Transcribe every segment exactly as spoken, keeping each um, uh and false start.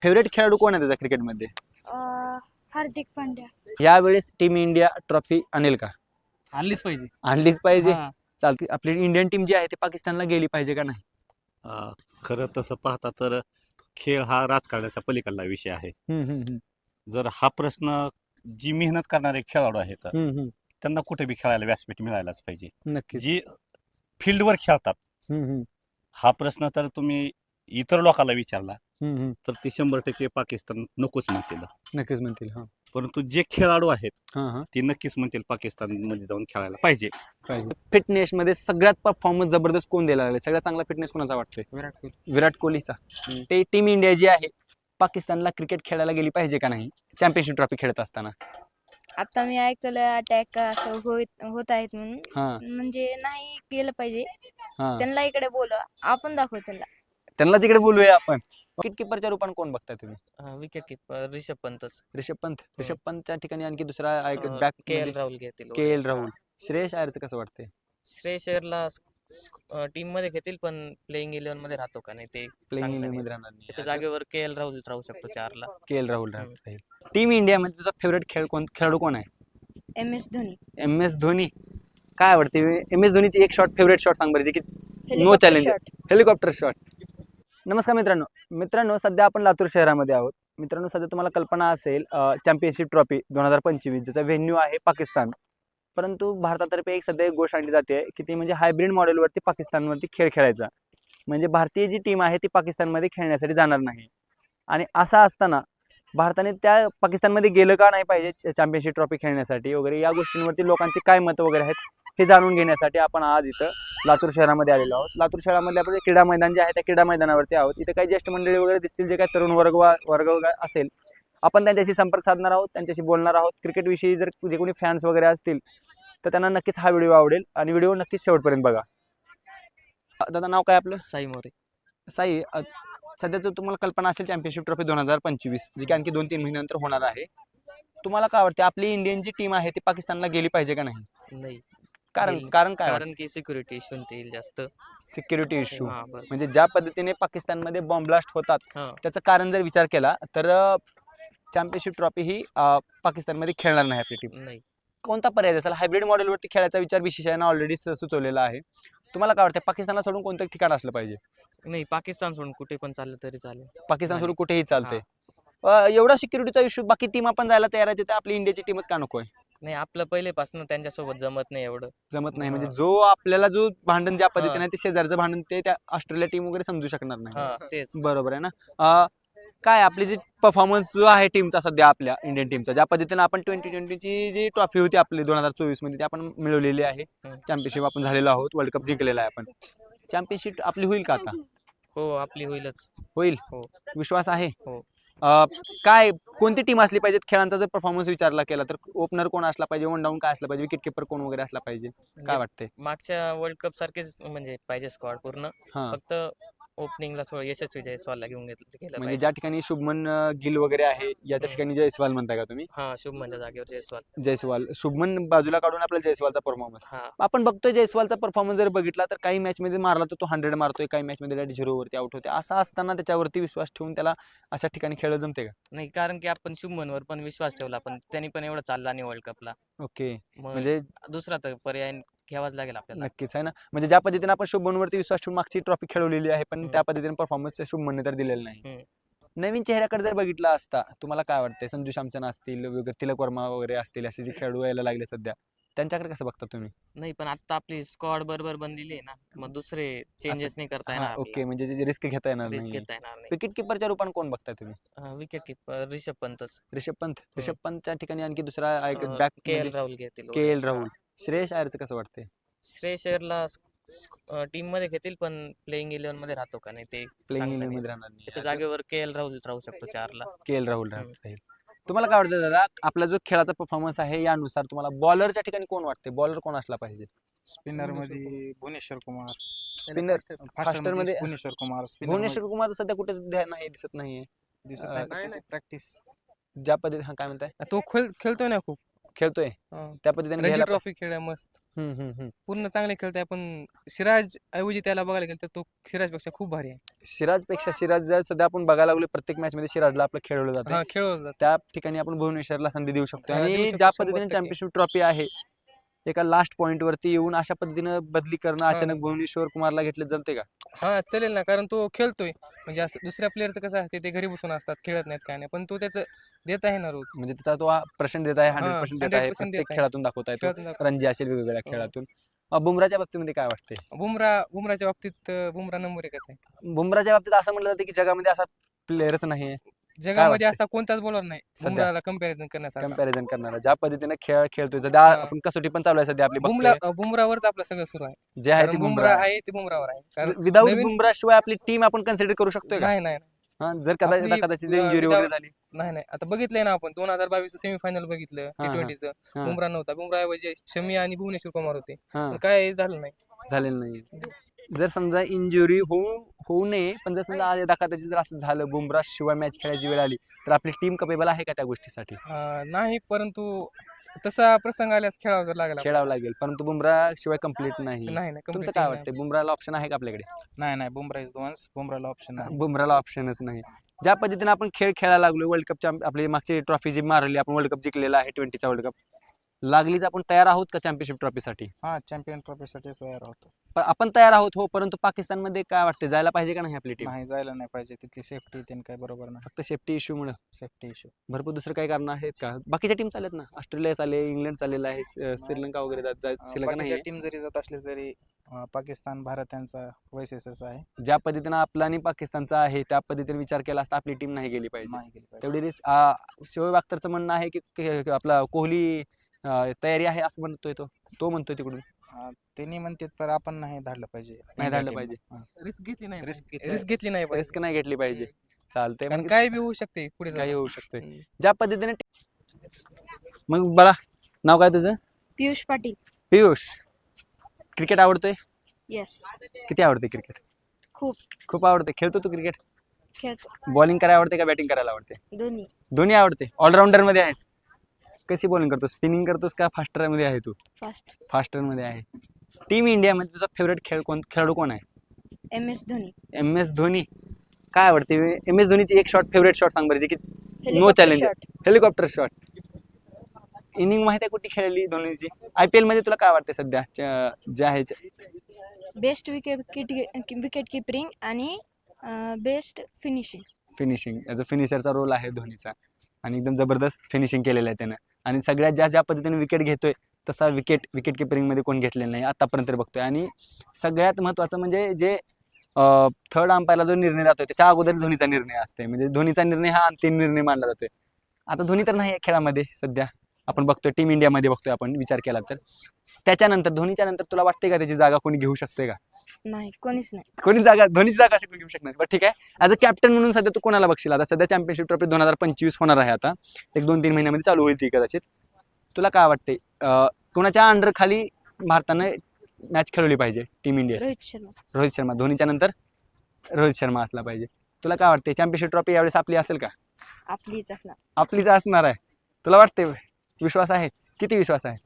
Favourite खेळाडू कोण आहे तुझा क्रिकेटमध्ये? अं, हार्दिक पांड्या. यावेळेस टीम इंडिया ट्रॉफी आणेल का? आणलीच पाहिजे. आणलीच पाहिजे. हा. चालते. आपली इंडियन टीम जी आहे ती पाकिस्तानला गेली पाहिजे का नाही? अ, खरं तसं पाहता तर खेळ हा राजकारणाच्या पलीकडला विषय आहे. हम्म, हम्म, हम्म, जर हा प्रश्न जी मेहनत करणारे खेळाडू आहेत हम्म, हम्म. त्यांना कुठे बी खेळायला व्यासपीठ मिळायलाच पाहिजे. नक्कीच. जी फील्डवर खेळतात हम्म, हम्म, हा प्रश्न तर तुम्ही इतर लोकांना विचारला हम्म, हम्म. तर ते शंभर टक्के पाकिस्तान नकोच म्हणतील. नक्कीच म्हणतील. हा परंतु जे खेळाडू आहेत हा हा ते नक्कीच म्हणतील पाकिस्तान मध्ये जाऊन खेळायला पाहिजे. फिटनेस मध्ये सगळ्यात परफॉर्मन्स जबरदस्त कोण द्यायला लागले? सगळ्यात चांगला फिटनेस कोणाचा वाटतोय? विराट कोहली. विराट कोहलीचा. ते टीम इंडिया जी आहे पाकिस्तानला क्रिकेट खेळायला गेली पाहिजे का नाही चॅम्पियनशिप ट्रॉफी खेळत असताना? आता मी ऐकलं अटॅक असं होत होत आहेत म्हणून, हा म्हणजे नाही गेलं पाहिजे. हा त्यांना इकडे बोलवा, आपण दाखवू त्यांना. त्यांना तिकडे बोलूया आपण. विकेट किपरच्या रूपाने कोण बघताय तुम्ही? विकेट किपर रिषभ पंतच. ऋषभ पंत. ऋषभ पंतच्या ठिकाणी आणखी दुसरा बॅक के एल राहुल घेतील. K L Rahul. श्रेयस अय्यरचं कसं वाटतंय? श्रेयस अय्यरला टीम मध्ये घेतील पण प्लेइंग इलेव्हन मध्ये राहतो का नाही ते प्लेइंग सांगता इलेव्हन नाही. मध्ये राहणार नाही. त्याच्या जागेवर के एल राहुल राहू शकतो चारला. के एल राहुल राहील. टीम इंडिया मध्ये तुझा फेवरेट खेळ कोण खेळाडू कोण आहे? M S Dhoni. M S Dhoni. काय आवडते एम एस धोनीची एक शॉट फेवरेट शॉट सांग बरं जे की no helicopter challenge. Shot. Helicopter shot. नमस्कार मित्रांनो. मित्रांनो सध्या आपण लातूर शहरामध्ये आहोत. मित्रांनो सध्या तुम्हाला कल्पना असेल चॅम्पियनशिप ट्रॉफी दोन हजार पंचवीस ज्याचा व्हेन्यू आहे पाकिस्तान. परंतु भारतातर्फे एक सध्या एक गोष्ट आणली जाते की ती म्हणजे हायब्रिड मॉडेलवरती पाकिस्तानवरती खेळ खेळायचा. म्हणजे भारतीय जी टीम आहे ती पाकिस्तानमध्ये खेळण्यासाठी जाणार नाही. आणि असं असताना भारताने त्या पाकिस्तानमध्ये गेलं का नाही पाहिजे चॅम्पियनशिप ट्रॉफी खेळण्यासाठी वगैरे या गोष्टींवरती लोकांची काय मतं वगैरे आहेत हे जाणून घेण्यासाठी आपण आज इथं लातूर शहरामध्ये आलेलो आहोत. लातूर शहरामध्ये आपण क्रीडा मैदान जे आहे त्या क्रीडा मैदानावरती आहोत. इथे काही ज्येष्ठ मंडळी वगैरे दिसतील जे काही तरुण वर्ग वर्ग वगैरे असेल आपण त्यांच्याशी संपर्क साधणार आहोत, त्यांच्याशी बोलणार आहोत. क्रिकेटविषयी जर जे कोणी फॅन्स वगैरे असतील तर त्यांना नक्कीच हा व्हिडिओ आवडेल आणि व्हिडिओ नक्कीच शेवटपर्यंत बघा. दादा नाव काय आपलं? साई मोरे. साई, सध्या तर तुम्हाला कल्पना असेल चॅम्पियनशिप ट्रॉफी दोन हजार पंचवीस जी की आणखी दोन तीन महिन्यानंतर होणार आहे. तुम्हाला काय वाटते आपली इंडियन जी टीम आहे ती पाकिस्तानला गेली पाहिजे का नाही? नाही कारण गेली. कारण काय? कारण की सिक्युरिटी इश्यू येईल जास्त. Security issue. हा, बस. म्हणजे ज्या पद्धतीने पाकिस्तानमध्ये बॉम्ब ब्लास्ट होतात हा. त्याचं कारण जर विचार केला तर चॅम्पियनशिप ट्रॉफी ही अ, पाकिस्तानमध्ये खेळणार नाही आपली टीम. नाही कोणता पर्याय असेल? हायब्रिड मॉडेलवरती खेळायचा विचार बीसीसीआयनं ऑलरेडी सुचवलेला आहे. तुम्हाला काय वाटतं पाकिस्तानला सोडून कोणतं ठिकाण असलं पाहिजे? नाही पाकिस्तान सोडून कुठे पण चाललं तरी चालेल. पाकिस्तान सोडून कुठेही चालतंय. हा. अ, एवढा सिक्युरिटीचा इश्यू बाकी टीम आपण जायला तयार आहे तिथे आपली इंडियाची टीमच का नको आहे? नाही आपलं पहिलेपासून त्यांच्यासोबत जमत नाही एवढं. जमत नाही हा. म्हणजे जो आपल्याला जो भांडण ज्या पद्धतीने हा. आहे ते शेजारचं भांडण ते त्या ऑस्ट्रेलिया टीम वगैरे समजू शकणार नाही. हा तेच. बरोबर आहे ना. अ, काय आपली जी परफॉर्मन्स जो आहे टीमचा सध्या आपल्या इंडियन टीमचा ज्या पद्धतीने आपण ट्वेंटी ट्वेंटीची जी ट्रॉफी होती आपली दोन हजार चोवीस मध्ये ती आपण मिळवलेली आहे. हम्म. चॅम्पियनशिप आपण झालेलो आहोत, वर्ल्ड कप जिंकलेला आहे आपण. चॅम्पियनशिप आपली होईल का आता? हो आपली होईलच. होईल. हो. विश्वास आहे. हो. अ, काय कोणती टीम असली पाहिजे खेळांचा जर परफॉर्मन्स विचारला केला तर ओपनर कोण असला पाहिजे, वन डाऊन काय असला पाहिजे, विकेट किपर कोण वगैरे असला पाहिजे काय वाटतंय? मागच्या वर्ल्ड कप सारखेच म्हणजे पाहिजे स्क्वॉड पूर्ण. हा फक्त ओपनिंगला थोडं यशस्वी जयस्वालला घेऊन घेतलं केलं म्हणजे पाहिजे. ज्या ठिकाणी शुभमन अ, गिल वगैरे आहे याच्या हम्म. ठिकाणी जयस्वाल म्हणताय का तुम्ही? हा शुभमनच्या जागेवर जयस्वाल. जयस्वाल शुभमन बाजूला काढून आपल्याला जयस्वालचा परफॉर्मन्स हा आपण बघतोय. जयस्वालचा परफॉर्मन्स जर बघितला तर काही मॅच मध्ये मारला तर तो हंड्रेड मारतोय, काही मॅच मध्ये झिरो वरती आउट होते. असं असताना त्याच्यावरती विश्वास ठेवून त्याला अशा ठिकाणी खेळ जमते का? नाही कारण की आपण शुभमनवर पण विश्वास ठेवला पण त्यांनी पण एवढं चालला नाही वर्ल्ड कपला. ओके मग म्हणजे दुसरा तर पर्याय घ्यावाच लागेल आपल्याला. नक्कीच आहे ना. म्हणजे ज्या पद्धतीने आपण शुभमनवरती विश्वास ठेवून मागची ट्रॉफी खेळवलेली आहे पण हम्म. त्या पद्धतीने परफॉर्मन्स शुभमनने तर दिलेला नाही. हम्म. नवीन चेहऱ्याकडे जर बघितला असता तुम्हाला काय वाटतंय? संजू सॅमसन असतील वगैरे, तिलक वर्मा वगैरे असतील असे जे खेळाडू यायला लागले सध्या त्यांच्याकडे कसं बघता तुम्ही? नाही पण आता आपली स्क्वॉड बरोबर बनलेली आहे ना मग दुसरे चेंजेस नाही करता हा, येणार. ओके म्हणजे रिस्क घेता येणार रिस्क नाही. घेता येणार नाही. विकेट किपरच्या रूपाने कोण बघताय तुम्ही? विकेट किपर रिषभ पंतच. ऋषभ पंत. ऋषभ पंतच्या ठिकाणी आणखी दुसरा बॅक के एल राहुल घेतील. K L Rahul. श्रेयस अय्यरचं कसं वाटतंय? श्रेयस अय्यरला टीम मध्ये घेतील पण प्लेइंग इलेव्हन मध्ये राहतो का नाही ते प्लेइंग सांगता इलेव्हन नाही. मध्ये राहणार नाही. त्याच्या जागेवर के एल राहुल राहू शकतो चारला. के एल राहुल हम्म. राहील. तुम्हाला काय वाटतं दादा आपला जो खेळाचा परफॉर्मन्स आहे यानुसार तुम्हाला बॉलरच्या ठिकाणी कोण वाटते? बॉलर कोण असला पाहिजे? स्पिनर मध्ये Bhuvneshwar Kumar. Spinner faster faster मध्ये भुवनेश्वर कुमार. स्पिनर भुवनेश्वर कुमार सध्या कुठेच ध्यान नाही दिसत नाहीये. दिसत अं, नाही पण त्याची प्रॅक्टिस. ज्या पद्धती हा काय म्हणताय? तो खेळ खेळतोय ना खूप. खेळतोय हा. त्या पद्धतीने रणजी घ्यायला ट्रॉफी खेळलाय मस्त, पाहिजे. हम्म, हम्म, हम्म. पूर्ण चांगले खेळताय. पण सिराज ऐवजी त्याला बघायला गेलं तर तो सिराजपेक्षा खूप भारी आहे. सिराजपेक्षा सिराज जर सध्या आपण बघायला लागलो प्रत्येक मॅच मध्ये सिराजला आपलं खेळवलं जातं. हा खेळवलं जातं. त्या ठिकाणी आपण भुवनेश्वरला संधी देऊ शकतो. हा, देऊ आणि शकतो ज्या शंभर पद्धतीने टक्के. चॅम्पियनशिप ट्रॉफी आहे एका लास्ट पॉइंट वरती येऊन अशा पद्धतीनं बदली करणं हा. अचानक भुवनेश्वर कुमारला घेतलं जमते का? हा चालेल ना, कारण तो खेळतोय. म्हणजे असं दुसऱ्या प्लेअरचं कसं असते, ते घरी बसून असतात, खेळत नाहीत काय नाही, पण तो त्याचं देत आहे ना रोज. म्हणजे त्याचा तो पर्सेंट देत आहे, हा, हंड्रेड पर्सेंट देत आहे, हंड्रेड पर्सेंट प्रत्येक देत आहे. खेळातून दाखवत आहे तो. खेळातून दाखव- रणजी असेल वेगवेगळ्या हो. खेळातून. अ, बुमराच्या बाबतीमध्ये काय वाटते? बुमरा बुमराच्या बाबतीत अं, बुमरा नंबर एकच आहे. बुमराच्या बाबतीत असं म्हटलं जातं की जगामध्ये असा प्लेअरच नाही जगामध्ये वाटतंय? असा कोणताच बॉलर नाही सध्या? बुमराला कम्पॅरिझन करण्यासारखा. कम्पॅरिझन करणारा. ज्या पद्धतीने खेळ खेळतोय सध्या हा. आपण कसोटी पण चालू आहे सध्या आपली बुमरा बघतोय. बुमरावरच आपलं सगळं सुरू आहे. जे आहे कारण ते बुमरा बुमरा आहे ते बुमरावर आहे. कारण विदाऊट नवीन- बुमरा शिवाय आपली टीम आपण कन्सिडर करू शकतोय का? नाही नाही हा, जर कदाचित आपली, कदाचित अ, इंजुरी without- वगैरे झाली. नाही नाही आता बघितलंय ना आपण दोन हजार बावीस सेमीफायनल बघितलं हा, टी हा. ट्वेंटीचं. हा. बुमरा नव्हता, बुमरा ऐवजी शमी आणि भुवनेश्वर कुमार होते, हा, पण काय झालं नाही. झालेलं नाही. जर समजा इंजुरी होऊ होऊ नये, पण जर समजा आज एका कदाचित जर असं झालं बुमरा शिवाय मॅच खेळायची वेळ आली तर आपली टीम कपेबल आहे का त्या गोष्टीसाठी? हा, नाही, परंतु तसा प्रसंग आल्यास खेळावं तर लागला. खेळावं लागेल, परंतु बुमरा शिवाय कम्प्लीट नाही. नाही नाही तुमचं complete काय team वाटतंय, बुमराला ऑप्शन आहे का आपल्याकडे? नाही नाही बुमरा इज वन्स बुमराला ऑप्शन नाही. बुमराला ऑप्शनच नाही. ज्या पद्धतीने आपण खेळ खेळायला लागलो, वर्ल्ड कपच्या आपली मागची ट्रॉफी जी मारली आपण, वर्ल्ड कप जिंकलेला आहे, ट्वेंटीचा वर्ल्ड कप, लागलीच आपण तयार आहोत का चॅम्पियनशिप ट्रॉफीसाठी? हा चॅम्पियन ट्रॉफीसाठी तयार होतो. पण आपण तयार आहोत हो, परंतु पाकिस्तानमध्ये काय वाटते, जायला पाहिजे का नाही आपली टीम? नाही जायला नाही पाहिजे, तिथली सेफ्टी त्यांनी काय बरोबर नाही. फक्त सेफ्टी इश्यूमुळे? सेफ्टी इश्यू भरपूर दुसरं काही कारण आहेत का? बाकीच्या टीम चालत ना, ऑस्ट्रेलिया चालेल, इंग्लंड चाललेलं आहे, स- श्रीलंका वगैरे जात जात- श्रीलंका नाही. टीम जरी जात असली तरी अं, पाकिस्तान भारत यांचा वैशिष्ट्यच आहे. ज्या पद्धतीनं आपला आणि पाकिस्तानचा आहे त्या पद्धतीने विचार केला असता आपली टीम नाही गेली पाहिजे. नाही गेली पाहिजे. तेवढी रिस्क. शोएब अख्तरचं म्हणणं आहे की की- की आपला कोहली अं, तयारी आहे असं म्हणतोय तो तो म्हणतोय तिकडून. अं, त्यांनी म्हणतात पण आपण नाही धाडलं पाहिजे. नाही धाडलं पाहिजे. रिस्क घेतली नाही Risk पाहिजे. घेतली- रिस्क घेतली नाही पाहिजे. रिस्क नाही घेतली पाहिजे. चालतंय, कारण मग काय बी होऊ शकते पुढे काही जाऊन. होऊ शकतंय. हम्म. ज्या पद्धतीने मग बला नाव काय तुझं? पियुष पाटील. पियुष, क्रिकेट आवडतोय? येस, किती आवडते क्रिकेट? खूप खूप आवडते. खेळतो तू क्रिकेट? खेळतो. बॉलिंग करायला आवडते का बॅटिंग करायला आवडते? दोन्ही. दोन्ही आवडते. ऑलराऊंडर मध्ये आहेस. कशी बॉलिंग करतो, स्पिनिंग करतोस का फास्टर मध्ये आहे तू? फास्ट. फास्टर मध्ये आहे. टीम इंडियामध्ये तुझा फेवरेट खेळ कोण खेळाडू कोण आहे? M S Dhoni. M S Dhoni. काय आवडते एम एस धोनीची एक शॉट, फेवरेट शॉट सांग बरं, जे की no helicopter challenge. Shot. Helicopter shot. Inning माहिती आहे कुठे खेळली धोनीची? आय पी एल मध्ये तुला काय वाटते सध्या च्या- जे आहे बेस्ट विकेट विकेट किपरिंग आणि best finishing. Finishing, as a फिनिशरचा रोल आहे धोनीचा आणि एकदम जबरदस्त फिनिशिंग केलेलं आहे त्यानं. आणि सगळ्यात जास्त ज्या पद्धतीने विकेट घेतोय तसा विकेट विकेट किपरिंगमध्ये कोण घेतलेलं नाही आतापर्यंत बघतोय. आणि सगळ्यात महत्त्वाचं म्हणजे जे थर्ड अंपायरला जो निर्णय जातोय त्याच्या अगोदर धोनीचा निर्णय असते, म्हणजे धोनीचा निर्णय हा अंतिम निर्णय मानला जातोय. आता धोनी तर नाही आहे खेळामध्ये सध्या, आपण बघतोय टीम इंडियामध्ये बघतोय आपण विचार केला तर. त्याच्यानंतर धोनीच्या नंतर तुला वाटते का त्याची जागा कोणी घेऊ शकतोय का? नाही, कोणीच नाही. कोणी जागा धोनीची जागा अशी कोणी घेऊ शकणार? बरं ठीक आहे, ॲज अ कॅप्टन म्हणून सध्या तू कोणाला बघशील? आता सध्या चॅम्पियनशिप ट्रॉफी दोन हजार पंचवीस होणार आहे, आता एक दोन तीन महिन्यामध्ये चालू होईल ती कदाचित. तुला काय वाटते कोणाच्या अंडर खाली भारतानं मॅच खेळवली पाहिजे टीम इंडिया? रोहित शर्मा. रोहित शर्मा. धोनीच्या नंतर रोहित शर्मा असला पाहिजे. तुला काय वाटते चॅम्पियनशिप ट्रॉफी यावेळेस आपली असेल का? आपलीच असणार. आपलीच असणार आहे. तुला वाटते, विश्वास आहे? किती विश्वास आहे?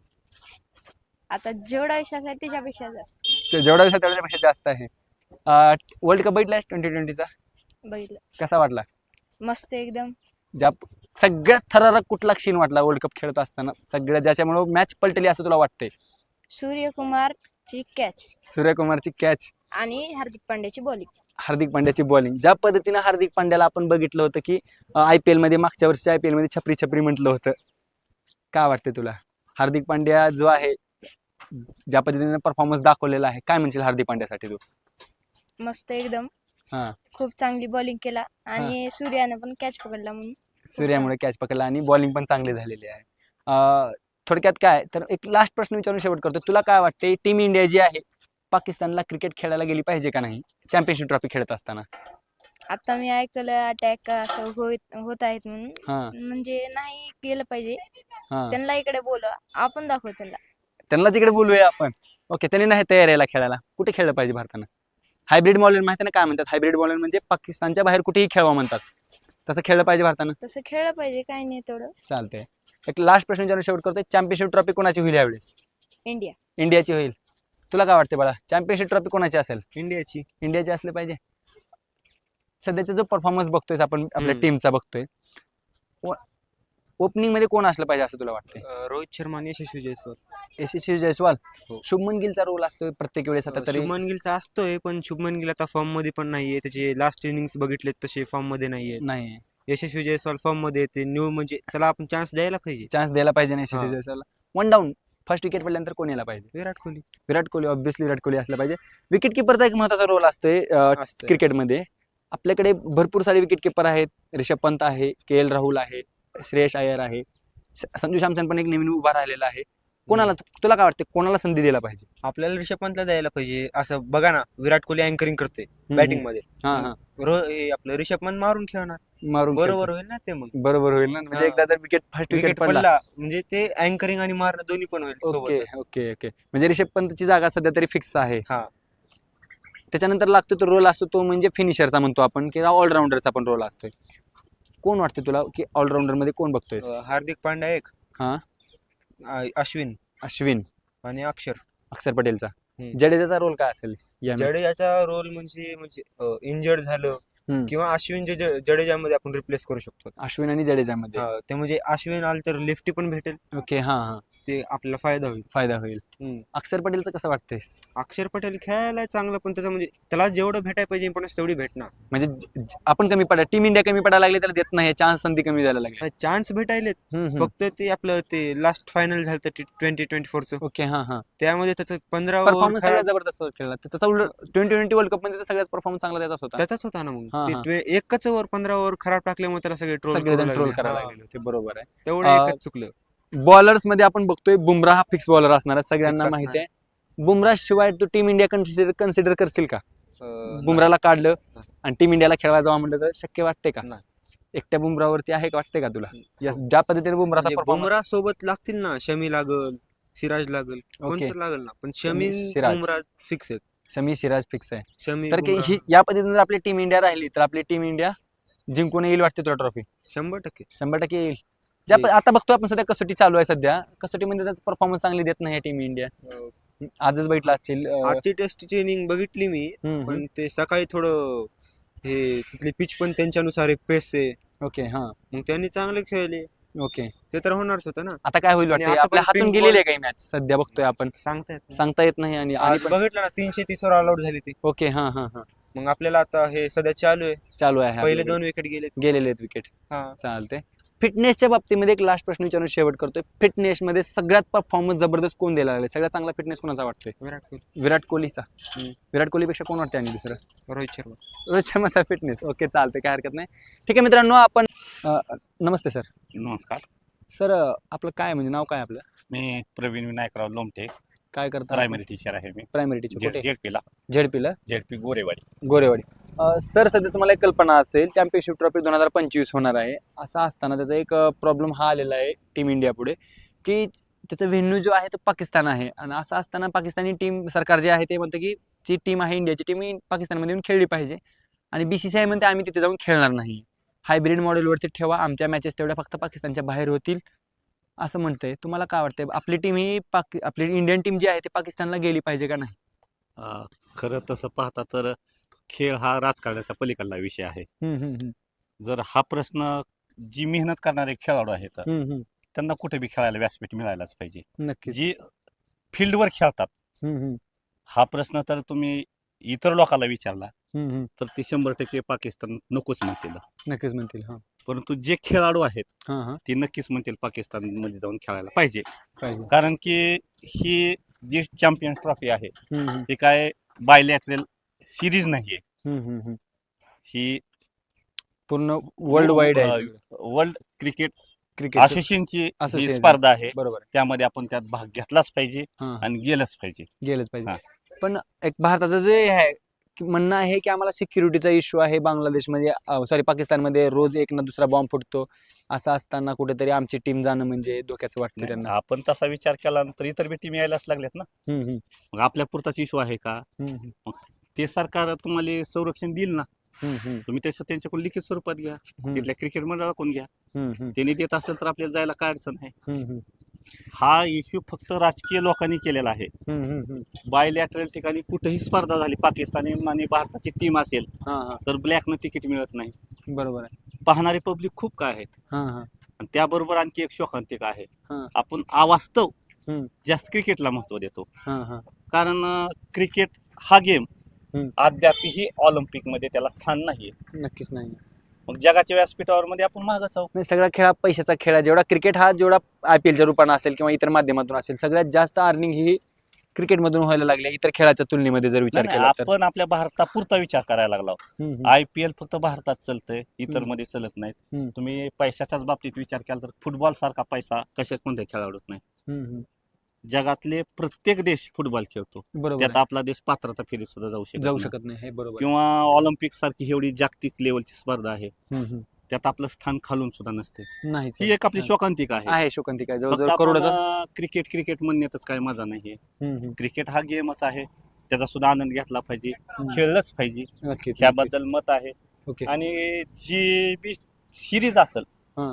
आता जेवढा विश्वास आहे त्याच्यापेक्षा जास्त. ते जेवढा विश्वास तेवढ्यापेक्षा जास्त आहे. वर्ल्ड कप बघितलाय ट्वेंटी ट्वेंटीचा? बघितलं. कसा वाटला? मस्त एकदम. ज्या सगळ्यात थरारक कुठला क्षीण वाटला वर्ल्ड कप खेळत असताना सगळ्यात, ज्याच्यामुळे मॅच पलटली असं तुला वाटतंय? सूर्यकुमारची कॅच सूर्यकुमारची कॅच आणि हार्दिक पांड्याची बॉलिंग. हार्दिक पांड्याची बॉलिंग. ज्या पद्धतीनं हार्दिक पांड्याला आपण बघितलं होतं की आय पी एल मध्ये मागच्या वर्षी आय पी एल मध्ये छपरी छपरी म्हटलं होतं, काय वाटते तुला? हार्दिक पांड्या जो आहे ज्या पद्धतीने परफॉर्मन्स दाखवलेला आहे, काय म्हणशील हार्दिक पांड्यासाठी तू? मस्त एकदम. हा. खूप चांगली बॉलिंग केला आणि सूर्याने पण कॅच पकडला म्हणून. सूर्यामुळे कॅच पकडला आणि बॉलिंग पण चांगली झालेली आहे. अं, थोडक्यात काय तर एक लास्ट प्रश्न विचारून शेवट करतो. तुला काय वाटते टीम इंडिया जी आहे पाकिस्तानला क्रिकेट खेळायला गेली पाहिजे का नाही चॅम्पियनशिप ट्रॉफी खेळत असताना? आता मी ऐकलं अटॅक असं होत होत आहेत म्हणून, हा म्हणजे नाही गेलं पाहिजे. हा. त्यांना इकडे बोलवा, आपण दाखवू त्यांना. त्यांना तिकडे बोलूया आपण. ओके, त्यांनी नाही तयार यायला खेळायला. कुठे खेळलं पाहिजे भारतानं? हायब्रिड बॉलर माहिती ना काय म्हणतात? हायब्रिड बॉलर म्हणजे पाकिस्तानच्या बाहेर कुठेही खेळवा म्हणतात, तसं खेळलं पाहिजे भारतानं. तसं खेळलं पाहिजे, काही नाही तेवढं. चालतंय. एक लास्ट प्रश्न विचारून शेवट करतोय, चॅम्पियनशिप ट्रॉफी कोणाची होईल यावेळेस? इंडिया. इंडियाची होईल. तुला काय वाटते बाळा, चॅम्पियनशिप ट्रॉफी कोणाची असेल? इंडियाची. इंडियाची असले पाहिजे. सध्याचा जो परफॉर्मन्स बघतोय आपण आपल्या हम्म. टीमचा बघतोय, ओपनिंग मध्ये कोण असलं पाहिजे असं तुला वाटतंय? अं, रोहित शर्मा आणि यशस्वी जयस्वाल. यशस्वी जयस्वाल. हो. शुभमन गिलचा रोल असतोय प्रत्येक वेळेस आता अं, तरी. शुभमन गिलचा असतोय, पण शुभमन गिल आता फॉर्म मध्ये पण नाहीये. त्याचे लास्ट इनिंग्स बघितले तसे फॉर्म मध्ये नाहीये. नाही, यशस्वी जयस्वाल फॉर्म मध्ये येते न्यू, म्हणजे त्याला आपण चान्स द्यायला पाहिजे. चान्स द्यायला पाहिजे नाही यशस्वी हा. जयस्वालला. वन डाऊन फर्स्ट विकेट पडल्यानंतर कोण यायला पाहिजे? विराट कोहली विराट कोहली. ऑब्व्हियसली विराट कोहली असला पाहिजे. विकेट किपरचा एक महत्वाचा रोल असतोय असतंय. क्रिकेटमध्ये. आपल्याकडे भरपूर सारे विकेट किपर आहेत. रिषभ पंत आहे, के एल राहुल आहे, श्रेयस अय्यर आहे, स- संजू सॅमसन पण एक नवीन उभा राहिलेला आहे. कोणाला तुला काय वाटतं कोणाला संधी द्यायला पाहिजे? आपल्याला ऋषभ पंतला द्यायला पाहिजे. असं बघा ना, विराट कोहली अँकरिंग करते हम्म, बॅटिंग मध्ये. हा हा रो हे आपलं ऋषभ पंत मारून खेळणार. मारून बरोबर खेळतो. होईल ना ते मग. बरोबर होईल ना, म्हणजे हा. एकदा जर विकेट फर्स्ट विकेट विकेट पडला. पडला म्हणजे ते अँकरिंग आणि मारणं दोन्ही पण होईल ओके सोबतच. ओके ओके म्हणजे रिषभ पंतची जागा सध्या तरी फिक्स आहे. हा. त्याच्यानंतर लागतो तो रोल असतो तो म्हणजे फिनिशरचा म्हणतो आपण, किंवा ऑलराऊंडरचा पण रोल असतोय. कोण वाटते तुला की ऑलराऊंडर मध्ये कोण बघतोय? अं, हार्दिक पांड्या एक, हा. आ- अश्विन अश्विन, आणि अक्षर. अक्षर पटेलचा. हम्म. जडेजाचा रोल काय असेल या match? जडेजाचा रोल म्हणजे म्हणजे इंजर्ड झालं हम्म. किंवा अश्विन जे ज- जडेजामध्ये आपण रिप्लेस करू शकतो. अश्विन आणि जडेजामध्ये. हा, ते म्हणजे अश्विन आलं तर लेफ्टी पण भेटेल, ओके हा हा ते आपल्याला फायदा होईल. फायदा होईल. हम्म. अक्षर पटेलचं कसं वाटतंय? अक्षर पटेल खेळायला चांगलं, पण त्याचं म्हणजे त्याला जेवढं भेटायला पाहिजे इम्पॉर्टन्स तेवढी भेटणार. म्हणजे ज- ज- आपण कमी पडा, टीम इंडिया कमी पडायला लागली त्याला देत नाही, चान्स संधी कमी द्यायला लागली. चान्स भेटायलेत, हम्म, हम्म. फक्त ते आपलं ते लास्ट फायनल झालं ट्वेंटी ट्वेंटी फोरचं, ओके हा हा त्यामध्ये त्याचं पंधरा परफॉर्मन्स ओव्हर सगळ्यात जबरदस्त खेळला त्याचा. उलट ट्वेंटी ट्वेंटी वर्ल्ड कप मध्ये तर सगळ्यात परफॉर्मन्स चांगला त्याचाच होता. त्याचाच होता ना. मग हा, ते हा. ट्वे- एकच ओव्हर पंधरा ओव्हर खराब टाकल्यामुळे त्याला सगळे ट्रोल सगळेजण ट्रोल करायला लागले होते. बरोबर आहे. तेवढं अं, एकच चुकलं. बॉलर्स मध्ये आपण बघतोय बुमराह फिक्स बॉलर असणार आहे, सगळ्यांना Fix माहिती आहे. बुमराह शिवाय तू टीम इंडिया कन्सिडर कन्सिडर करशील का? अं, बुमराहला काढलं नाही. आणि टीम इंडियाला खेळवायला जावं म्हणलं तर शक्य वाटते का? नाही. एकट्या बुमराहवरती आहे का वाटते का तुला? हो. यस, ज्या पद्धतीने बुमराहचा म्हणजे परफॉर्मन्स. बुमराह सोबत लागतील ना, शमी लागल, सिराज लागल, कोणतं लागल ना, पण शमी सिराज. बुमराह फिक्स आहेत. शमी सिराज फिक्स आहे. शमी तर की बुमराह ही या पद्धतीने जर आपली टीम इंडिया राहिली तर आपली टीम इंडिया जिंकून येईल वाटते तुला ट्रॉफी? शंभर टक्के शंभर टक्के येईल. ज्या प- येईल. आता बघतो आपण सध्या कसोटी चालू आहे, सध्या कसोटीमध्ये त्याचा परफॉर्मन्स चांगली देत नाही टीम इंडिया. आजच बैठला असतील. अं, आजची टेस्टची इनिंग बघितली मी, हम्म, हम्म. पण ते सकाळी थोडं हे तिथली पिच पण त्यांच्यानुसार पेस आहे, ओके हा मग त्यांनी चांगले खेळले, ओके. ते तर होणारच होतं ना. आता काय होईल आणि वाटते? असं आपल्या पण हातून pink गेलेली ball- आहे काही मॅच सध्या बघतोय आपण, सांगता येत नाही. सांगता येत नाही. आणि आणि आज पण बघितलं ना, तीनशे तीस वर ऑल आउट झाली ती. ओके हा हा हा मग आपल्याला आता हे सध्या चालू आहे, चालू आहे. पहिले आपल्याकडे दोन विकेट गेले. गेलेले आहेत विकेट. हा. चालते. फिटनेसच्या बाबतीमध्ये एक लास्ट प्रश्न विचारून शेवट करतोय. फिटनेस मध्ये सगळ्यात परफॉर्मन्स जबरदस्त कोण द्यायला लागले? सगळ्यात चांगला फिटनेस कोणाचा वाटतोय? विराट कोहली, विराट कोहलीचा. हम्म. विराट कोहलीपेक्षा कोण वाटते आणि दुसरं? रोहित शर्मा. रोहित शर्माचा फिटनेस. ओके चालते, काय हरकत नाही. ठीक आहे मित्रांनो, आपण अं, नमस्ते सर. नमस्कार. सर आपलं काय म्हणजे नाव काय आपलं? मी प्रवीण विनायकराव लोमटे, काय करता? प्रायमरी टीचर आहे मी. प्रायमरी टीचर कुठे? जेडपीला झेडपीला. जेडपी गोरेवाडी. गोरेवाडी. अं, सर सध्या तुम्हाला एक कल्पना असेल, चॅम्पियनशिप ट्रॉफी दोन हजार पंचवीस होणार आहे. असं असताना त्याचा एक प्रॉब्लेम हा आलेला आहे टीम इंडिया पुढे, की त्याचा व्हेन्यू जो आहे तो पाकिस्तान आहे. आणि असं असताना पाकिस्तानी टीम सरकार जे आहे ते म्हणतं की जी टीम आहे इंडियाची टीम ही पाकिस्तानमध्ये येऊन खेळली पाहिजे. आणि बी सी सी आय म्हणते आम्ही तिथे जाऊन खेळणार नाही, हायब्रिड मॉडेलवरती ठेवा, आमच्या मॅचेस तेवढ्या फक्त पाकिस्तानच्या बाहेर होतील असं म्हणतंय. तुम्हाला काय वाटतंय, आपली टीम ही पाक आपली इंडियन टीम जी आहे ती पाकिस्तानला गेली पाहिजे का नाही? अं, खरं तसं पाहता तर खेळ हा राजकारणाचा पलीकडला विषय आहे. हम्म, हम्म, हम्म. जर हा प्रश्न जी मेहनत करणारे खेळाडू आहेत हम्म, हम्म. त्यांना कुठे बी खेळायला व्यासपीठ मिळायलाच पाहिजे. नक्कीच. जी फील्डवर खेळतात हम्म, हम्म, हा प्रश्न तर तुम्ही इतर लोकांना विचारला हम्म, हम्म. तर ते शंभर टक्के पाकिस्तान नकोच म्हणतील. नक्कीच म्हणतील. हा परंतु जे खेळाडू आहेत हा हा ते नक्कीच म्हणतील पाकिस्तानमध्ये जाऊन खेळायला पाहिजे. पाहिजे. कारण की ही जी चॅम्पियन्स ट्रॉफी आहे हम्म, हम्म, ती काय बायलॅटरल सिरीज नाहीये. हम्म, हम्म, हम्म. ही पूर्ण वर्ल्ड वाईड आहे सगळं. वर्ल्ड क्रिकेट क्रिकेट असोसिएशनची ही Association. स्पर्धा आहे, बरोबर आहे. त्यामध्ये आपण त्यात भाग घेतलाच पाहिजे हा, आणि गेलंच पाहिजे. गेलंच पाहिजे. हा. पण एक भारताचं जे आहे की म्हणणं आहे की आम्हाला सिक्युरिटीचा इश्यू आहे बांगलादेशमध्ये, सॉरी पाकिस्तानमध्ये रोज एक ना दुसरा बॉम्ब फुटतो. असं असताना कुठेतरी आमची टीम जाणं म्हणजे धोक्याचं वाटतं नाही, त्यांना. आपण तसा विचार केला तर इतर बी टीम यायलाच लागल्यात ना. हम्म, हम्म, मग आपल्या पुरताच इश्यू आहे का? हम्म, हम्म. ते सरकार तुम्हाला संरक्षण देईल ना, हम्म, हम्म, तुम्ही तसं त्यांच्याकडून लिखित स्वरूपात घ्या, हम्म, तिथल्या क्रिकेट मंडळाकडून घ्या. हम्म, हम्म, त्यांनी देत असेल तर आपल्याला जायला काय अडचण आहे. हम्म, हम्म, हा इश्यू फक्त राजकीय लोकांनी केलेला आहे. हम्म, हम्म, हम्म. बायलॅटरल ठिकाणी कुठेही स्पर्धा झाली, पाकिस्तानी आणि भारताची टीम असेल हा हा तर ब्लॅकनं तिकीट मिळत नाही. बरोबर आहे. पाहणारे पब्लिक खूप काय आहेत. हा हा आणि त्याबरोबर आणखी एक शोकांतिक आहे, हा. आपण अवास्तव हम्म. जास्त क्रिकेटला महत्व देतो. हा हा कारण क्रिकेट हा गेम हम्म. अद्यापही ऑलिम्पिकमध्ये त्याला स्थान नाही. नक्कीच नाही. मग जगाच्या व्यासपीठावर मध्ये आपण मागच आहोत. नाही, सगळा खेळ हा पैशाचा खेळ आहे. जेवढा क्रिकेट हा जेवढा आय पी एलच्या रूपानं असेल किंवा इतर माध्यमातून असेल, सगळ्यात जास्त अर्निंग ही क्रिकेटमधून व्हायला लागली आहे, इतर खेळाच्या तुलनेमध्ये जर विचार नाही, केला तर. आपण आपल्या भारतापुरता विचार करायला लागलो. हम्म, हम्म, आय पी एल फक्त भारतात चालतंय, इतर हम्म. मध्ये चालत नाहीत. हम्म. तुम्ही पैशाच्याच बाबतीत विचार केला तर फुटबॉल सारखा पैसा कशा कोणत्या खेळाडूत नाही. हम्म, हम्म. जगातले प्रत्येक देश फुटबॉल खेळतो, बरोबर त्यात आहे. आपला देश पात्रता फेरीत सुद्धा जाऊ शकत जाऊ नाही. शकत नाही, हे बरोबर आहे. किंवा ऑलिम्पिक सारखी एवढी जागतिक लेवलची स्पर्धा आहे, हम्म, हम्म. त्यात आपलं स्थान खालून सुद्धा नसते. नाही ही एक आपली शोकांतिक आहे. आहे शोकांतिक आहे, फक्त जवळजवळ करोडाचा. आपण क्रिकेट क्रिकेट म्हणण्यातच काय मजा नाहीये. हम्म, हम्म. क्रिकेट हा गेमच आहे, त्याचा सुद्धा आनंद घेतला पाहिजे, हम्म. खेळलंच पाहिजे, नक्कीच त्याबद्दल मत आहे. ओके. आणि जी बी सिरीज असेल हा.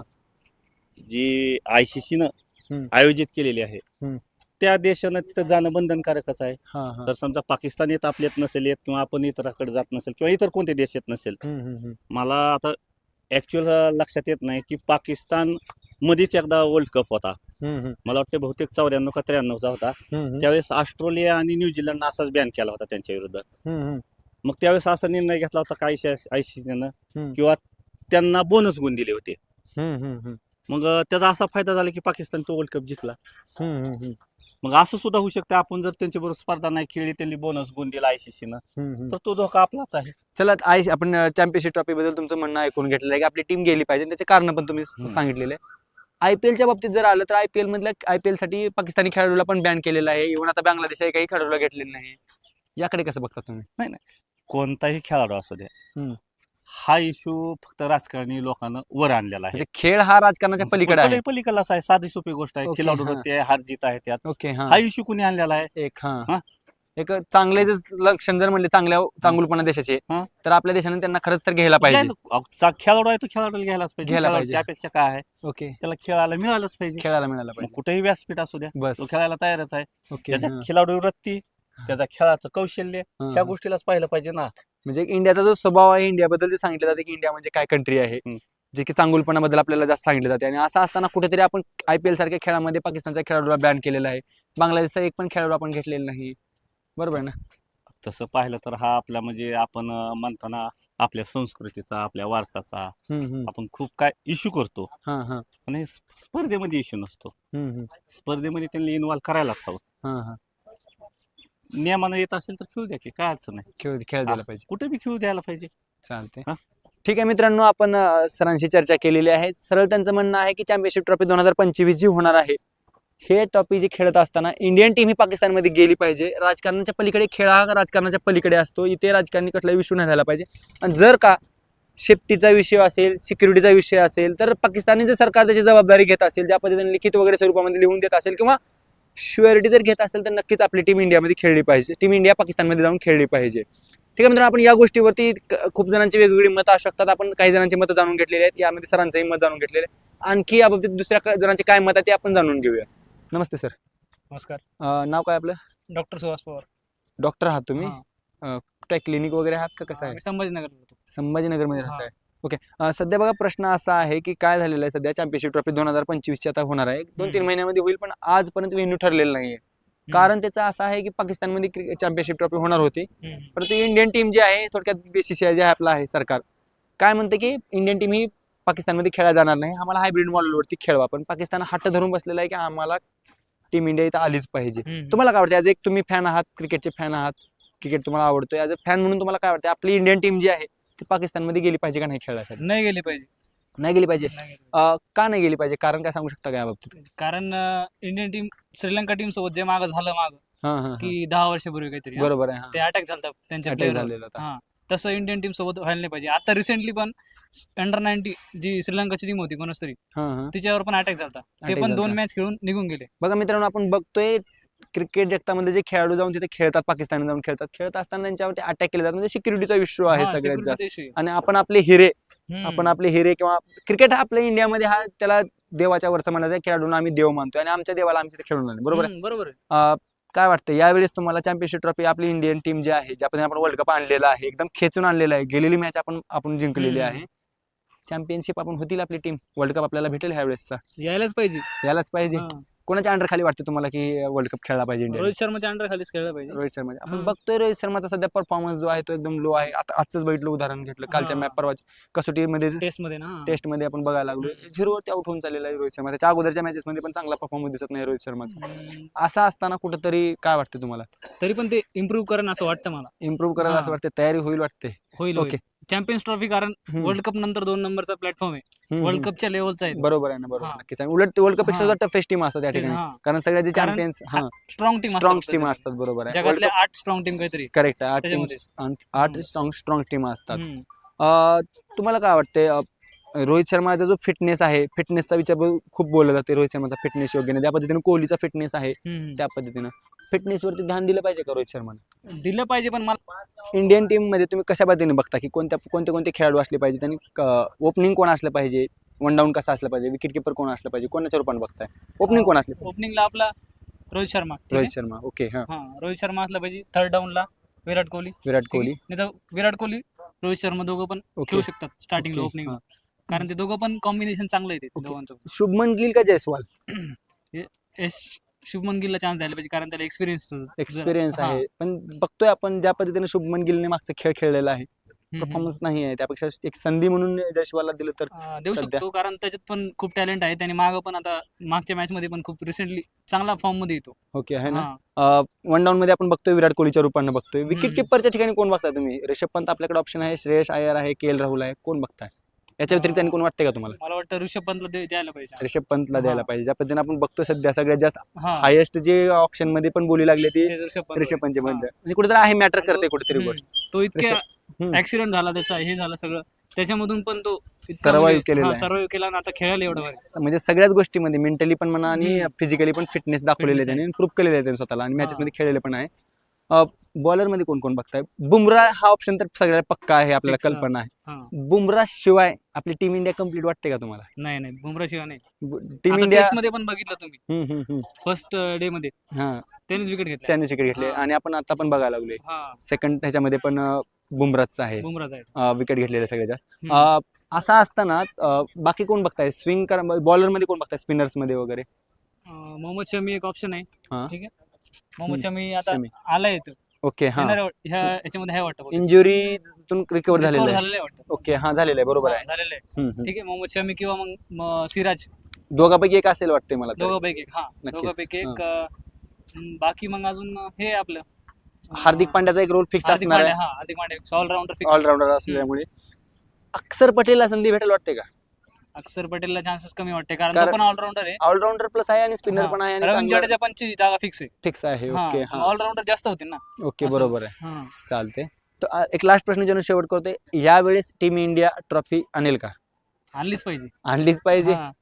जी आय सी सी न हम्म. आयोजित केलेली आहे, हम्म. त्या देशानं तिथं जाणं बंधनकारकच आहे. हा हा जर समजा पाकिस्तान येत आपल्यात नसेल येत किंवा आपण इतराकडे जात नसेल किंवा इतर कोणत्या देश येत नसेल, हम्म, हम्म, हम्म. मला आता ऍक्च्युअल लक्षात येत नाही की पाकिस्तान मध्येच एकदा वर्ल्ड कप होता, हम्म, हम्म. मला वाटतं बहुतेक चौऱ्याण्णव का त्र्याण्णवचा होता. हम्म, हम्म. त्यावेळेस ऑस्ट्रेलिया आणि न्यूझीलंडनं असाच बॅन केला होता त्यांच्या विरोधात. हम्म, हम्म. मग त्यावेळेस असा निर्णय घेतला होता का आय सी सीनं हम्म. किंवा त्यांना बोनस गुण दिले होते. हम्म, हम्म, हम्म. मग अं, त्याचा असा फायदा झाला की पाकिस्तान तो वर्ल्ड कप जिंकला. हम्म, हम्म, हम्म. मग असं सुद्धा होऊ शकतं, आपण जर त्यांच्याबरोबर स्पर्धा नाही खेळली, त्यांनी बोनस गुण दिला आयसीसीनं, हम्म, हम्म. तर तो धोका आपलाच आहे. चला आय आपण चॅम्पियनशिप ट्रॉफी बद्दल तुमचं म्हणणं ऐकून घेतलेलं आहे की आपली टीम गेली पाहिजे, त्याचे कारण पण तुम्ही हम्म. सांगितलेले आहे. आयपीएलच्या बाबतीत जर आलं तर आयपीएल मधल्या आयपीएल साठी पाकिस्तानी खेळाडूला पण बॅन केलेलं आहे, इव्हन आता बांगलादेश काही खेळाडूला घेतलेलं नाही. याकडे कसं बघता तुम्ही? कोणताही खेळाडू असू द्या, हम्म. हा इश्यू फक्त राजकारणी लोकांना वर आणलेला आहे. म्हणजे खेळ हा राजकारणाच्या पलीकडे आहे. पली- पलीकडलाच आहे, साधी सोपी गोष्ट आहे. ओके, खेळाडू हा. ते हार जीत आहे त्यात, ओके. हा हा इश्यू कुणी आणलेला आहे. एक हा हा. एक चांगले जर लक्षण जर म्हणले चांगल्या चांगुलपणा देशाचे, हा. तर आपल्या देशाने त्यांना खरंच तर घ्यायला पाहिजे. घ्यायला- अहो, चा- खेळाडू आहे तो खेळाडूला घ्यायलाच पाहिजे. घ्यायला खेळाडूची पाहिजे. अपेक्षा काय आहे, ओके. त्याला खेळायला मिळालंच पाहिजे. खेळायला मिळाला मग पाहिजे. कुठेही व्यासपीठ असू द्या, बस. तो खेळायला तयारच आहे. ओके. त्याच्या हा. खेळाडू वृत्ती, त्याचा खेळाचं कौशल्य, हा, ह्या हा. गोष्टीलाच पाहिलं पाहिजे ना. म्हणजे इंडियाचा जो स्वभाव आहे, इंडियाबद्दल जे सांगितलं जाते की इंडिया म्हणजे काय कंट्री आहे, हम्म. जे की चांगुलपणाबद्दल आपल्याला जास्त सांगितलं जाते. आणि असं असताना कुठेतरी आपण आयपीएल सारख्या खेळामध्ये पाकिस्तानच्या खेळाडूला बॅन केलेला आहे, बांगलादेशचा एक पण खेळाडू आपण घेतलेला नाही. बरोबर आहे ना? तसं पाहिलं तर हा आपला म्हणजे आपण अं, म्हणताना आपल्या संस्कृतीचा, आपल्या वारसाचा हम्म, हम्म. आपण खूप काय इश्यू करतो, हा हा पण हे स्प- स्पर्धेमध्ये इश्यू नसतो. हम्म, हम्म. स्पर्धेमध्ये त्यांनी इन्व्हॉल्व करायलाच हवं. हा हा नियमानं येत असेल तर खेळू द्या की, काय अडचण आहे. खेळ खेळ द्यायला पाहिजे. कुठे बी खेळू द्यायला पाहिजे. चालते. हा. ठीक आहे मित्रांनो, आपण अ, सरांशी चर्चा केलेली आहे. सरळ त्यांचं म्हणणं आहे की चॅम्पियनशिप ट्रॉफी दोन हजार पंचवीस जी होणार आहे, हे ट्रॉफी जी खेळत असताना इंडियन टीम ही पाकिस्तानमध्ये गेली पाहिजे. राजकारणाच्या पलीकडे खेळ हा राजकारणाच्या पलीकडे असतो, इथे राजकारणी कसला इश्यू नाही झाला पाहिजे. आणि जर का सेफ्टीचा विषय असेल, सिक्युरिटीचा विषय असेल, तर पाकिस्तानी जर सरकार त्याची जबाबदारी घेत असेल, ज्या पद्धतीने लिखित वगैरे स्वरूपामध्ये लिहून देत असेल किंवा श्युअरिटी जर घेत असेल, तर नक्कीच आपली टीम इंडियामध्ये खेळली पाहिजे. टीम इंडिया पाकिस्तानमध्ये जाऊन खेळली पाहिजे. ठीक आहे मित्रांनो, आपण या गोष्टीवरती क- खूप जणांची वेगवेगळी मतं असू शकतात. आपण काही जणांची मतं जाणून घेतलेली आहेत, यामध्ये सरांचंही मत जाणून घेतलेलं आहे. आणखी याबाबतीत दुसऱ्या क- जणांचे काय मत आहे ते आपण जाणून घेऊया. नमस्ते सर. नमस्कार. अ, नाव काय आपलं? डॉक्टर सुहास पवार. डॉक्टर आहात तुम्ही? हा. काय क्लिनिक वगैरे आहात का, कसं आहे? मी संभाजीनगर होतो. संभाजीनगरमध्ये हा. राहताय? ओके. अ, सध्या बघा प्रश्न असा आहे की काय झालेलं आहे, सध्या चॅम्पियनशिप ट्रॉफी दोन हजार पंचवीसची आता होणार आहे, दोन तीन हम्म. महिन्यामध्ये होईल, पण आजपर्यंत व्हेन्यू ठरलेलं नाहीये. कारण त्याचं असं आहे की पाकिस्तानमध्ये चॅम्पियनशिप ट्रॉफी होणार होती, हम्म. परंतु इंडियन टीम जी आहे, थोडक्यात बीसीसीआय जे आहे आपलं आहे सरकार, काय म्हणते की इंडियन टीम ही पाकिस्तानमध्ये खेळायला जाणार नाही, आम्हाला हायब्रिड मॉडेलवरती खेळवा. पण पाकिस्तान हट्ट धरून बसलेला आहे की आम्हाला टीम इंडिया इथं आलीच पाहिजे. हम्म. तुम्हाला काय वाटतं, ॲज एक तुम्ही फॅन आहात, क्रिकेटचे फॅन आहात, क्रिकेट तुम्हाला आवडतोय, ॲज अ फॅन म्हणून तुम्हाला काय वाटतं, आपली इंडियन टीम जी आहे ती पाकिस्तानमध्ये गेली पाहिजे का नाही खेळायसाठी? नाही गेली पाहिजे. नाही गेली पाहिजे. नाही गेली पाहिजे. अ, का नाही गेली पाहिजे, कारण काय सांगू शकता का याबाबतीत? कारण अं, इंडियन टीम श्रीलंका टीम सोबत जे मागं झालं माग हा हा हा. की दहा वर्षापूर्वी काहीतरी हा, बरोबर आहे. हा. ते अटॅक झालता त्यांच्या Attack प्लेअरवर. झालेला होता. हा, तसं इंडियन टीम सोबत व्हायला नाही पाहिजे. आता रिसेंटली पण अंडर नाईन्टी जी श्रीलंकाची टीम होती कोणाच तरी, हा हा तिच्यावर पण अटॅक झालता. ते Attack पण दोन झालता. मॅच खेळून निघून गेले. बघा मित्रांनो, आपण बघतोय क्रिकेट जगतामध्ये जे खेळाडू जाऊन तिथे खेळतात, पाकिस्तान जाऊन खेळतात, खेळत असताना त्यांच्यावरती अटॅक केले जातात, म्हणजे सिक्युरिटीचा इश्यू आहे हा, सगळ्यात security जास्त. चा issue आहे. आणि आपण आपले हिरे हम्म. आपण आपले हिरे किंवा क्रिकेट हा आपल्या इंडियामध्ये हा त्याला देवाच्या वरचा म्हणला खेळाडूंना आम्ही देव मानतोय आणि आमच्या देवाला आम्ही तिथे खेळून आलो, बरोबर आहे. हम्म, बरोबर आहे. अं, काय वाटतं यावेळेस तुम्हाला चॅम्पियनशिप ट्रॉफी आपली इंडियन टीम जी आहे, ज्या पद्धतीने आपण वर्ल्ड कप आणलेला आहे, एकदम खेचून आणलेला आहे, गेलेली मॅच आपण आपण जिंकलेली हम्म. आहे, चॅम्पियनशिप आपण होतील आपली टीम, वर्ल्ड कप आपल्याला भेटेल ह्या वेळेसचा, यायलाच पाहिजे. यालाच पाहिजे. हा. कोणाच्या अंडर खाली वाटतं तुम्हाला की वर्ल्ड कप खेळला पाहिजे इंडिया? रोहित शर्माच्या अंडर खालीच खेळलं पाहिजे. रोहित शर्मा आपण हम्म. बघतोय रोहित शर्माचा सध्या परफॉर्मन्स जो आहे तो एकदम लो आहे. आता आजच बघितलं उदाहरण घेतलं, कालच्या हा. मॅच परवा कसोटीमध्ये टेस्ट मध्ये ना. टेस्ट मध्ये आपण बघायला लागलो झिरोवरती आउट होऊन चाललेला आहे रोहित शर्मा. त्याच्या अगोदरच्या मॅचेस मध्ये पण चांगला परफॉर्मन्स दिसत नाही रोहित शर्माचा. हम्म, असं असताना कुठंतरी काय वाटतं तुम्हाला, तरी पण ते इम्प्रूव्ह करेन असं वाटतं मला. इम्प्रूव्ह करायला हा. असं वाटतं, तयारी होईल वाटते? होईल ओके. होईल चॅम्पियन्स ट्रॉफी, कारण हम्म. वर्ल्ड कप नंतर दोन नंबरचा प्लॅटफॉर्म आहे. हम्म, वर्ल्ड हम्म. कपच्या लेवलचा आहे. बरोबर आहे ना, बरोबर हा. नक्कीच आहे. उलट वर्ल्ड कप पेक्षा हा. टफेस्ट टीम असतात त्या तेच, ठिकाणी, हा. कारण सगळ्या जे कारण champions strong team strong team असतात, बरोबर आहे. जगातल्या आठ स्ट्रॉंग टीम काहीतरी. करेक्ट आहे, आठ टीम त्याच्यामध्येच. आठ हम्म. स्ट्रॉंग स्ट्रॉंग टीम असतात. हम्म. अं, तुम्हाला काय वाटते रोहित शर्माचा जो फिटनेस आहे, फिटनेसचा विचार ब- खूप बोलला जाते, रोहित शर्माचा फिटनेस योग्य नाही, त्या पद्धतीने कोहलीचा फिटनेस आहे, हम्म. त्या पद्धतीनं फिटनेस वरती ध्यान दिलं पाहिजे का रोहित शर्माने? दिलं पाहिजे, पण मला इंडियन टीम मध्ये तुम्ही कशा पद्धतीने बघता की कोणत्या कोणते कोणते खेळाडू असले पाहिजे, त्यांनी ओपनिंग कोण असलं पाहिजे, वन डाऊन कसं असलं पाहिजे, विकेट किपर कोण असलं पाहिजे, कोणाच्या रूपाने बघताय? ओपनिंग कोण असले पाहिजे? ओपनिंगला आपला रोहित शर्मा, ठीक आहे? रोहित शर्मा, ओके. हा, हा, रोहित शर्मा असला पाहिजे. थर्ड डाऊनला विराट कोहली. विराट ठीक कोहली, आहे? नाही तर विराट कोहली, रोहित शर्मा दोघं पण ओके. खेळू शकतात स्टार्टिंगला, ओके, ओपनिंग, हा. कारण ते दोघं पण कॉम्बिनेशन चांगलं आहे ते ओके. दोघांचं. शुभमन गिल का जयस्वाल? एस शुभमन गिलला चान्स द्यायला पाहिजे, कारण त्याला एक्सपिरियन्स एक्सपिरियन्स आहे, पण बघतोय आपण ज्या पद्धतीने शुभमन गिलने मागचा खेळ खेळलेला आहे, परफॉर्मन्स नाही आहे, त्यापेक्षा एक संधी म्हणून जयस्वालला दिलं तर देऊ सध्या- शकतो, कारण त्याच्यात पण खूप टॅलेंट आहे. त्याने मागं पण आता मागच्या मॅच मध्ये पण खूप रिसेंटली चांगला फॉर्म मध्ये येतो. ओके आहे ना. हा. वन डाऊन मध्ये आपण बघतोय विराट कोहलीच्या रूपाने बघतोय. विकेट हम्म. किपरच्या ठिकाणी कोण बघताय तुम्ही? ऋषभ पंत आपल्याकडे ऑप्शन आहे, श्रेयस अय्यर आहे, के एल राहुल आहे, कोण बघताय? याच्या व्यतिरिक्त आणि कोण वाटते का तुम्हाला? मला वाटतं ऋषभ पंतला दे- द्यायला पाहिजे. ऋषभ पंतला हा. द्यायला पाहिजे. ज्या पद्धतीने आपण बघतो सध्या सगळ्यात जास्त हा, हायेस्ट जे ऑप्शन मध्ये पण बोली लागले ती ते ऋषभ पंत. ऋषभ पंत हा. म्हणजे कुठेतरी आहे, मॅटर आणि तो- करते कुठेतरी हम्म. गोष्ट. तो इतक्या हम्म. ऍक्सिडेंट झाला त्याचा, हे झालं सगळं, त्याच्यामधून पण तो Survive केलेला आहे. सर्वाइव्ह केला आणि आता खेळायला एवढं भारी. म्हणजे सगळ्याच गोष्टीमध्ये मेंटली पण म्हणा आणि हम्म. फिजिकली पण फिटनेस दाखवलेले Fitness त्याने, प्रूव्ह केलेले आहे त्याने स्वतःला, आणि मॅचेस हा. मध्ये खेळलेले पण आहे. बॉलर मध्ये कोण कोण बघताय? बुमराह हा ऑप्शन तर सगळ्यात पक्का आहे, आपल्याला Fix, हा. कल्पना आहे. हा. बुमराह शिवाय आपली टीम इंडिया कम्प्लीट वाटते का तुम्हाला? नाही नाही, बुमरा शिवाय नाही. टीम आता इंडिया टेस्ट मध्ये पण बघितलं तुम्ही, हम्म, हम्म, हम्म. फर्स्ट डे मध्ये हा, त्यानेच विकेट घेतल्या. त्याने विकेट घेतले हा. आणि आपण आता पण बघायला लागलोय हा, सेकंड ह्याच्यामध्ये पण बुमराच आहे बुमराच आहे. विकेट घेतलेले सगळ्यात जास्त. हम्म. अं, असं असताना अं, बाकी कोण बघताय? स्विंग करा बॉलर मध्ये कोण बघताय? स्पिनर्स मध्ये वगैरे? अं, मोहम्मद शमी एक ऑप्शन आहे. हा. ठीक आहे, मोहम्मद हम्म. शमी आता शमी. आलाय तो. ओके. हा, येणार आहे वाट- ह्या याच्यामध्ये आहे वाटतं. इंजुरीतून रिकवर झालेलं Recover आहे. झालेलं आहे वाटतं. ओके, हा झालेलं आहे, बरोबर हा, आहे. झालेलं आहे. हम्म, हम्म. ठीक आहे, मोहम्मद शमी किंवा मग म- सिराज, दोघांपैकी एक असेल वाटते मला तरी. दोघांपैकी एक. हा, नक्कीच. दोघांपैकी एक. अं, बाकी मग अजून हे आपलं अं, हार्दिक पांड्याचा एक रोल फिक्स हार्दिक असणार पांड्या. आहे, हा, Hardik Pandya allrounder fix. Allrounder असल्यामुळे. अक्षर पटेलला संधी भेटेल वाटते का? अक्षर पटेलला चान्सेस कमी वाटते, कारण कारण- तो पण ऑलराऊंडर आहे. ऑलराऊंडर प्लस आहे आणि स्पिनर हा. पण आहे आणि रवींद्र चांगला जडेजा पण ची जागा फिक्स आहे. फिक्स आहे. ओके. हा, ऑलराऊंडर जास्त होतील ना. ओके, असं. बरोबर आहे, हा. चालते. तर अ, एक लास्ट प्रश्न ज्यानं शेवट करतोय, यावेळेस टीम इंडिया ट्रॉफी आणेल का? आणलीच पाहिजे. आणलीच पाहिजे. हा.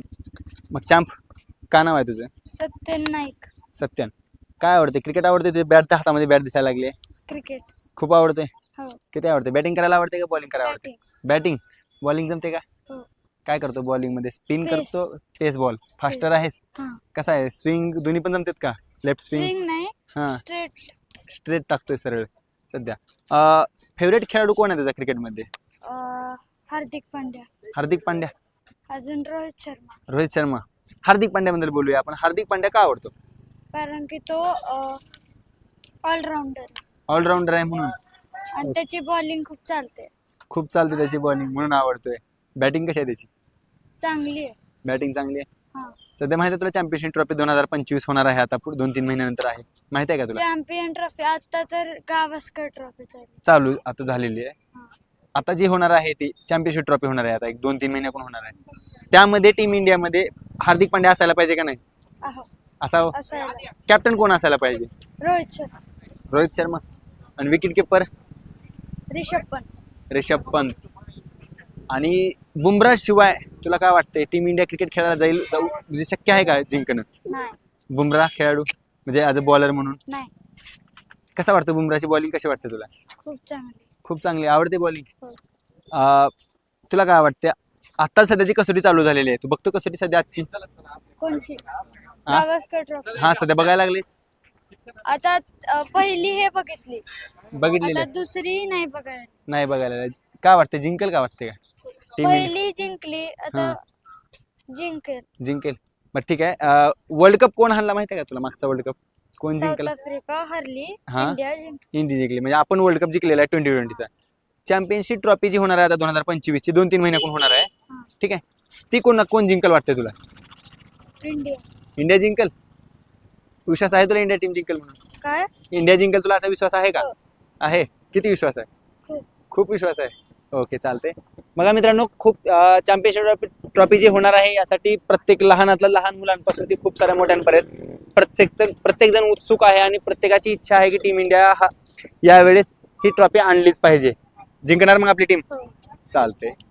मग चॅम्प का नाव आहे तुझं? सत्यन नाईक. सत्यान. काय आवडते? क्रिकेट आवडते? तुझ्या बॅट हातामध्ये बॅट दिसायला लागली, क्रिकेट. खूप आवडते. हो. किती आवडते? बॅटिंग करायला आवडते का बॉलिंग करायला आवडते? बॅटिंग. बॅटिंग. बॉलिंग जमते का? हो. काय करतो बॉलिंग मध्ये? Spin Pace. करतो, पेस बॉल, फास्टर आहेस? हा. कसा आहे स्विंग? दोन्ही पण जमतात का? Left swing? स्विंग नाही, हा, स्ट्रेट. स्ट्रेट टाकतोय सरळ सध्या. फेवरेट खेळाडू कोण आहे तुझा क्रिकेटमध्ये? हार्दिक पांड्या. हार्दिक पांड्या, अजून रोहित शर्मा, रोहित शर्मा. हार्दिक पांड्याबद्दल बोलूया आपण. हार्दिक पांड्या का आवडतो? कारण की तो ऑलराऊंडर ऑलराऊंडर आहे म्हणून. आणि त्याची बॉलिंग खूप चालते, खूप चालते त्याची बॉलिंग म्हणून आवडतोय. बॅटिंग कशी आहे त्याची? चांगली आहे. बॅटिंग चांगली आहे. हा. सध्या माहिती आहे तुला चॅम्पियनशिप ट्रॉफी दोन हजार पंचवीस होणार आहे आता पुढे दोन तीन महिन्यानंतर आहे, माहिती आहे का तुला? चॅम्पियन ट्रॉफी आता तर गावस्कर ट्रॉफी चालू. चालू आता झालेली आहे. हा. आता जी होणार आहे ती चॅम्पियनशिप ट्रॉफी होणार आहे आता एक दोन तीन महिन्यापून होणार आहे. त्यामध्ये टीम इंडियामध्ये हार्दिक पांड्या असायला पाहिजे का नाही? अहो, असावं. असायला. कॅप्टन कोण असायला पाहिजे? रोहित शर्मा, रोहित शर्मा. आणि विकेट किपर? रिषभ पंत. ऋषभ पंत. आणि बुमराह शिवाय तुला काय वाटतंय टीम इंडिया क्रिकेट खेळायला जाईल जाऊ म्हणजे शक्य आहे का जिंकणं? नाही, बुमराह खेळाडू म्हणजे ॲज अ बॉलर म्हणून? नाही. कसा वाटतं बुमराची बॉलिंग, कशी वाटते तुला? खूप चांगली. खूप चांगली आवडते बॉलिंग. हो. तुला काय वाटते आता सध्याची कसोटी चालू झालेली आहे, तू बघतो कसोटी सध्या आजची? कोणची? गावस्कर ट्रॉफी. हा सध्या बघायला लागलीस? आता अ, पहिली हे बघितली, बघितलेली आता दुसरी नाही बघायला. नाही बघायला लागली. काय वाटते जिंकेल का वाटते का टीम पहिली जिंकली, आता जिंकेल. जिंकेल? मग ठीक आहे. वर्ल्ड कप कोण हाणला माहिती आहे का तुला? मागचा वर्ल्ड कप कोण साऊथ जिंकला? आफ्रिका हरली, हा? इंडिया जिंकली. इंडिया जिंकली. म्हणजे आपण वर्ल्ड कप जिंकलेला आहे ट्वेंटी ट्वेंटीचा. चॅम्पियनशिप ट्रॉफी जी होणार आहे आता दोन हजार पंचवीस ची दोन तीन महिन्याकडून होणार आहे, हा. ठीक आहे, ती कोण कोण जिंकल वाटते तुला? इंडिया. इंडिया जिंकल? विश्वास आहे तुला इंडिया टीम जिंकल म्हणून? काय? इंडिया जिंकल तुला असा विश्वास आहे का? हो. आहे. किती विश्वास आहे? खूप. खूप विश्वास आहे. ओके चालते. बघा मित्रांनो, खूप चॅम्पियनशिप ट्रॉफी ट्रॉफी जी होणार आहे यासाठी प्रत्येक लहानातल्या लहान मुलांपासून ती खूप साऱ्या मोठ्यांपर्यंत प्रत्येक प्रत्येक जण उत्सुक आहे आणि प्रत्येकाची इच्छा आहे की टीम इंडिया हा यावेळेस ही ट्रॉफी आणलीच पाहिजे. जिंकणार मग आपली टीम? हो. चालते.